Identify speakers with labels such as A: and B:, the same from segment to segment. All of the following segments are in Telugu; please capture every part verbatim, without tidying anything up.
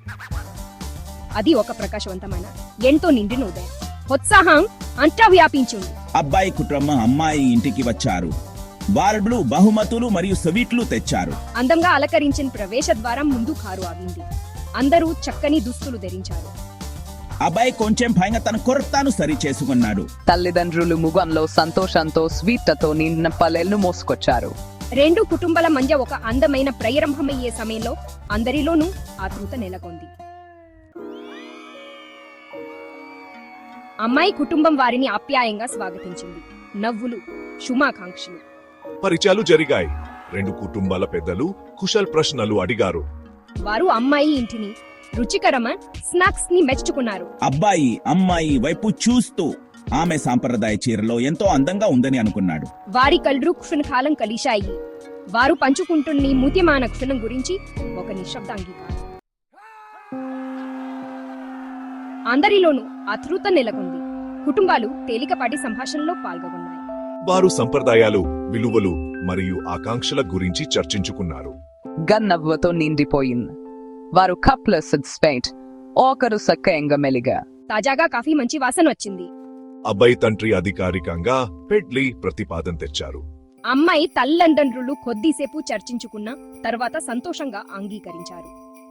A: అది ఒక ప్రకాశవంతమైన ఎంతో నిండిన ఉదయం. ఉత్సాహం అంతా వ్యాపించింది.
B: అబ్బాయి కుటుంబం అమ్మాయి ఇంటికి వచ్చారు. వాళ్ళు బహుమతులు మరియు స్వీట్లు తెచ్చారు.
A: అందంగా అలంకరించిన ప్రవేశ ద్వారం ముందు కారు ఆగింది. అందరూ చక్కని దుస్తులు ధరించారు.
B: అబ్బాయి కొంచెం భయంగా తన కొరతను సరి చేసుకున్నాడు.
C: తల్లిదండ్రులు ముఖంలో సంతోషంతో స్వీట్లతో నిండిన పల్లెలను మోసుకొచ్చారు.
A: రెండు కుటుంబాల మధ్య ఒక అందమైన ప్రారంభమయ్యే సమయంలో అందరిలోనూ ఆతృత నెలకొంది. అమ్మాయి కుటుంబం వారిని ఆప్యాయంగా స్వాగతించింది. నవ్వులు, శుభాకాంక్షలు.
D: పరిచయాలు జరిగాయి. రెండు కుటుంబాల పెద్దలు కుశల్ ప్రశ్నలు అడిగారు.
A: వారు అమ్మాయి ఇంటిని, రుచికరమైన స్నాక్స్ ని మెచ్చుకున్నారు.
B: అబ్బాయి అమ్మాయి వైపు చూస్తూ ఆమె సాంప్రదాయ చీరలో ఎంతో అందంగా ఉందని అనుకున్నాడు.
A: వారి కళ్ళు క్షణకాలం కలిశాయి. వారు పంచుకుంటున్న ముత్యమాన క్షణం గురించి ఒక నిశ్శబ్ద అంగీకారం. అందరిలోనూ ఆతృత నెలకొంది. కుటుంబాలు తేలికపాటి సంభాషణలో పాల్గొన్నాయి.
D: వారు సంప్రదాయాలు, విలువలు మరియు ఆకాంక్షల గురించి చర్చించుకున్నారు.
C: గన్నవ్వతో నిండిపోయింది. వారు కప్ల సిడ్స్పేట్ ఒకరు సక్కయంగా మెలిగా.
A: తాజాగా కాఫీ మంచి వాసన వచ్చింది.
D: అబ్బాయి తండ్రి అధికారికంగా పెళ్లి ప్రతిపాదన తెచ్చారు.
A: అమ్మాయి తల్లిదండ్రులు కొద్దిసేపు చర్చించుకున్న తర్వాత సంతోషంగా అంగీకరించారు.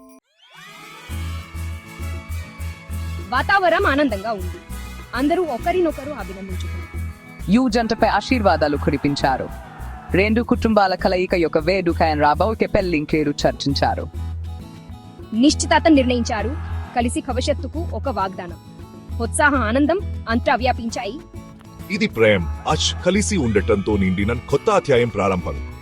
A: వాతావరణం ఆనందంగా ఉంది. అందరూ ఒకరినొకరు అభినందించుకున్నారు.
C: యు జంటపై ఆశీర్వాదాలు కురిపించారు. రెండు కుటుంబాల కలయిక యొక్క వేడుకైన రాబోయే పెళ్లింకేరు చర్చించారు.
A: నిశ్చితార్థం నిర్ణయించారు. కలిసి భవిష్యత్తుకు ఒక వాగ్దానం. ఉత్సాహ ఆనందం అంతా వ్యాపించాయి.
D: ఇది ప్రేమ్ అచ్ కలిసి ఉండటంతో నిండిన కొత్త అధ్యాయం ప్రారంభం.